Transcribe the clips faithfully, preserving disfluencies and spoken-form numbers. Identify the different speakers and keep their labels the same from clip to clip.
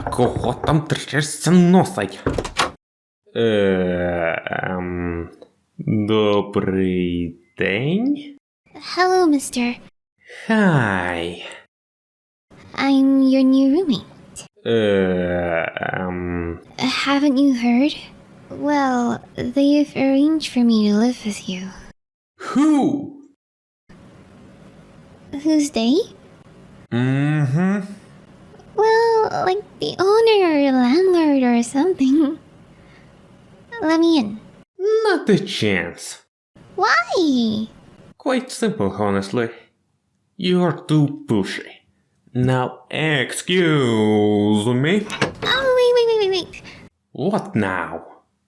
Speaker 1: Кого там трясся носить? Ем... Добрий день?
Speaker 2: Hello, mister.
Speaker 1: Hi.
Speaker 2: I'm your new roommate.
Speaker 1: Um,
Speaker 2: Haven't you heard? Well, they've arranged for me to live with you.
Speaker 1: who?
Speaker 2: Who's they?
Speaker 1: Mm-hmm.
Speaker 2: Well, like the owner or landlord or something. Let me in.
Speaker 1: Not a chance.
Speaker 2: Why?
Speaker 1: Quite simple, honestly. You're too pushy. Now, excuse me.
Speaker 2: Oh, wait, wait, wait, wait, wait.
Speaker 1: What now?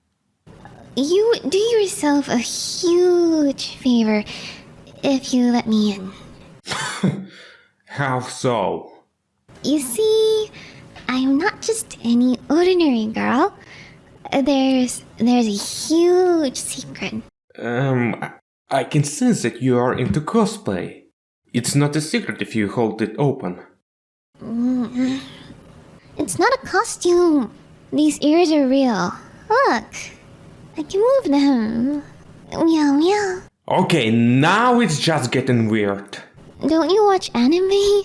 Speaker 2: You do yourself a huge favor if you let me in.
Speaker 1: How so?
Speaker 2: You see, I'm not just any ordinary girl. There's there's a huge secret.
Speaker 1: Um, I can sense that you are into cosplay. It's not a secret if you hold it open.
Speaker 2: Mm, It's not a costume. These ears are real. Look, I can move them. Meow meow.
Speaker 1: Okay, now it's just getting weird.
Speaker 2: Don't you watch anime?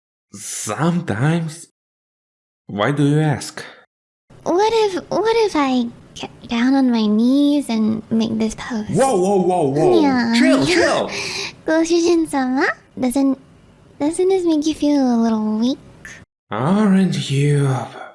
Speaker 1: Sometimes. Why do you ask?
Speaker 2: What if what if I get down on my knees and make this pose?
Speaker 1: Whoa, whoa, whoa, whoa!
Speaker 2: Yeah.
Speaker 1: Chill, chill!
Speaker 2: Goshujin-sama? Doesn't doesn't this make you feel a little weak?
Speaker 1: Aren't you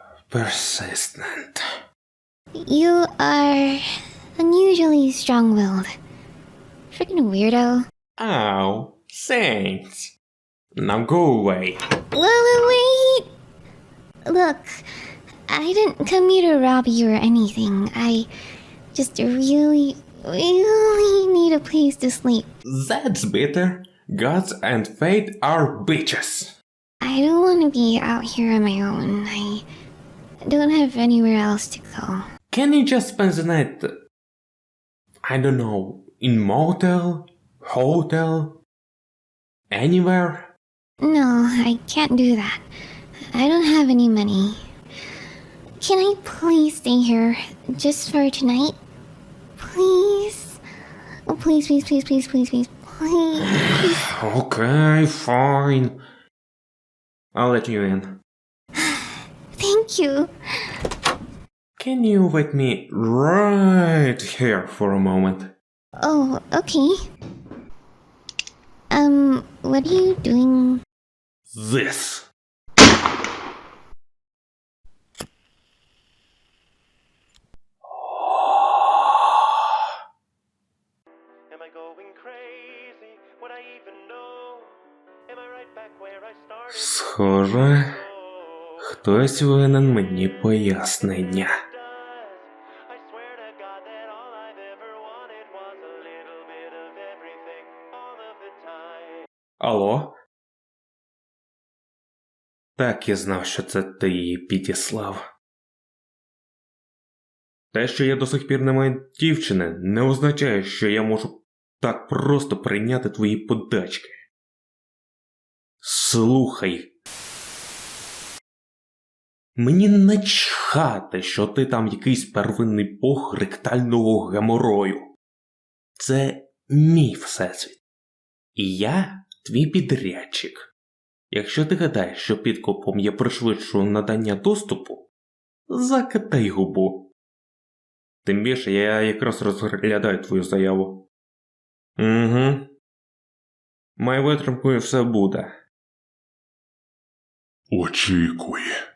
Speaker 1: persistent?
Speaker 2: You are unusually strong-willed. Freaking weirdo.
Speaker 1: Oh, thanks. Now go away.
Speaker 2: Wait, wait, wait! Look, I didn't come here to rob you or anything. I just really, really need a place to sleep.
Speaker 1: That's better. Gods and fate are bitches.
Speaker 2: I don't want to be out here on my own. I don't have anywhere else to go.
Speaker 1: Can you just spend the night, I don't know, in motel, hotel, anywhere?
Speaker 2: No, I can't do that. I don't have any money. Can I please stay here just for tonight? Please? Oh, please, please, please, please, please, please, please.
Speaker 1: Okay, fine. I'll let you in.
Speaker 2: Thank you.
Speaker 1: Can you wait me right here for a moment?
Speaker 2: Oh, okay. Um, what are you doing?
Speaker 1: This.
Speaker 3: Am I going crazy? Would I even know? Am I right back where I started?
Speaker 1: Схоже, хтось винен мені пояснення.
Speaker 3: I swear to God that all I've ever wanted was a little bit of everything all of the time.
Speaker 1: Алло? Так, я знав, що це ти її підіслав. Те, що я до сих пір не маю дівчини, не означає, що я можу так просто прийняти твої подачки. Слухай. Мені начхати, що ти там якийсь первинний бог ректального геморою. Це мій всесвіт. І я твій підрядчик. Якщо ти гадаєш, що підкупом я пришвидшую надання доступу, закатай губу. Тим більше я якраз розглядаю твою заяву. Угу. Маю витримку і все буде.
Speaker 4: Очікуй.